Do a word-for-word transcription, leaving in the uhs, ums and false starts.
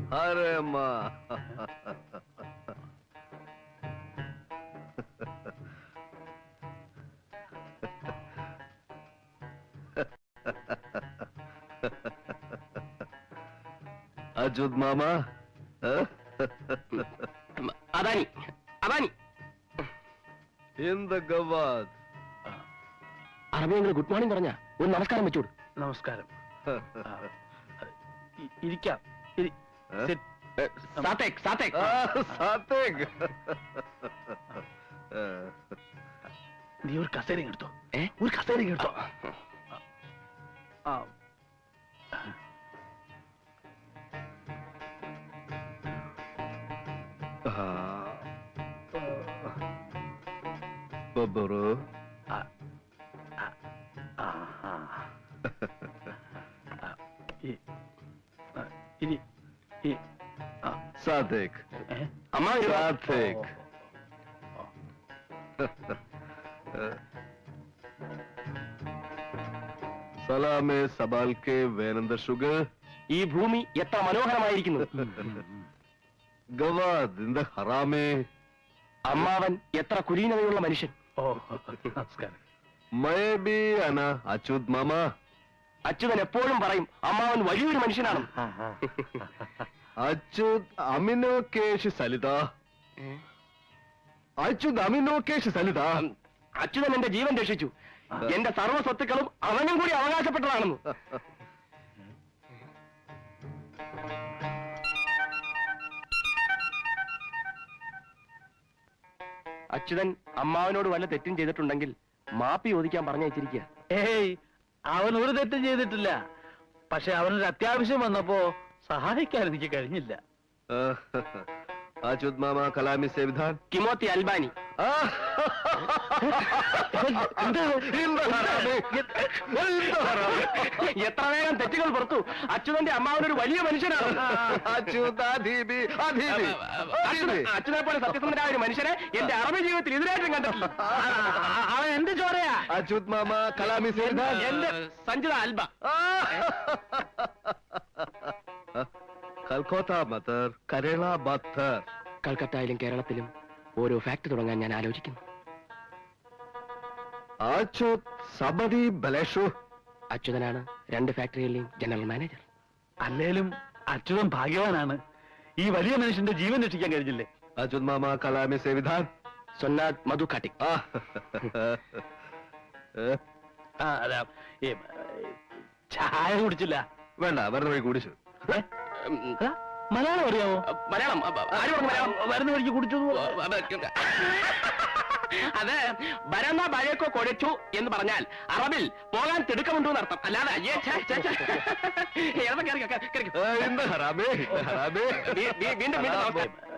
अरे माँ अजूद मामा अदानी अदानी എന്ത് ഗവാദ് അറബിയെങ്കിൽ ഗുഡ് മോർണിംഗ് പറഞ്ഞ ഒരു നമസ്കാരം വെച്ചോട്. നമസ്കാരം. ഇരിക്കാം. സാത്തേക് സാത്തേക് സാത്തേക് നീ ഒരു കസേര എടുത്തോ. ഏ ഒരു കസേര എടുത്തോ. ബബ്ബറു ഇനി സാത്തേക് അമ്മ സാത്തേക് സലാമേ സബാൽക്കെ വേനന്ദ ഷുഗർ. ഈ ഭൂമി എത്ര മനോഹരമായിരിക്കുന്നു. ഗവാദ് ഇന്ത ഹറാമേ. അമ്മാവൻ എത്ര കുലീനതയുള്ള മനുഷ്യൻ. ഓ നമസ്കാരം. മൈ ബി അന അച്യുത് മാമ. അച്യുതൻ എപ്പോഴും പറയും അമ്മാവൻ വലിയൊരു മനുഷ്യനാണ്. അച്യുത് അമിനോ കേശ് സലിത. അച്യുത് അമിനോ കേശ് സലിത. അച്യുതൻ എന്റെ ജീവൻ രക്ഷിച്ചു. എന്റെ സർവ്വ സ്വത്തുക്കളും അവനും കൂടി അവകാശപ്പെട്ടതാണെന്ന്. അച്യുതൻ അമ്മാവനോട് വല്ല തെറ്റും ചെയ്തിട്ടുണ്ടെങ്കിൽ മാപ്പി ചോദിക്കാൻ പറഞ്ഞയച്ചിരിക്കുക. ഏയ് അവൻ ഒരു തെറ്റും ചെയ്തിട്ടില്ല. പക്ഷെ അവനൊരു അത്യാവശ്യം വന്നപ്പോ സഹായിക്കാൻ എനിക്ക് കഴിഞ്ഞില്ല. അച്യുത് മാമ കലാമി സേവിധാൻ കിമോത്തി അൽബാനി. എത്ര വേഗം തെറ്റുകൾ പുറത്തു. അച്യുതന്റെ അമ്മാവനൊരു വലിയ മനുഷ്യനാണ്. അച്യുതനെ പോലെ സത്യസന്ധനായ ഒരു മനുഷ്യനെ എന്റെ അറബി ജീവിതത്തിൽ ഇതിനായിട്ടും കണ്ടിട്ടില്ല. അവൻ എന്റെ ചോരയാ. അച്യുത് മാമ കലാമി സേവിധാൻ. എന്റെ സഞ്ജിത അൽബ. കൽക്കത്ത മത്തർ കരള ബത്തർ. കൽക്കത്തയിലും കേരളത്തിലും ഓരോ ഫാക്ടറി തുടങ്ങാൻ ഞാൻ ആലോചിക്കുന്നു. അച്യുത് സബദി ബലേഷു. അച്യുതനാണ് രണ്ട് ഫാക്ടറികളിലെയും ജനറൽ മാനേജർ. അല്ലേലും അച്യുതൻ ഭാഗ്യവാനാണ്. ഈ വലിയ മനുഷ്യന്റെ ജീവൻ രക്ഷിക്കാൻ കഴിഞ്ഞില്ലേ. അച്യുത് മാമ കലാമി സേവിധാൻ. സൊന്നാദ് മധു കാട്ടിക്. ചായ കുടിച്ചില്ല. വേണ്ട വരുന്ന വഴി കുടിച്ചു. മലയാളം അറിയാമോ? മലയാളം ആര് പറഞ്ഞു മലയാളം? വരുന്ന വഴിക്ക് കുടിച്ചു. അത് ബരന്ന ബഴക്കോ കൊഴച്ചു എന്ന് പറഞ്ഞാൽ അറബിൽ പോകാൻ തിടുക്കമുണ്ടോ എന്നർത്ഥം. അല്ലാതെ അയ്യേ വീണ്ടും വീണ്ടും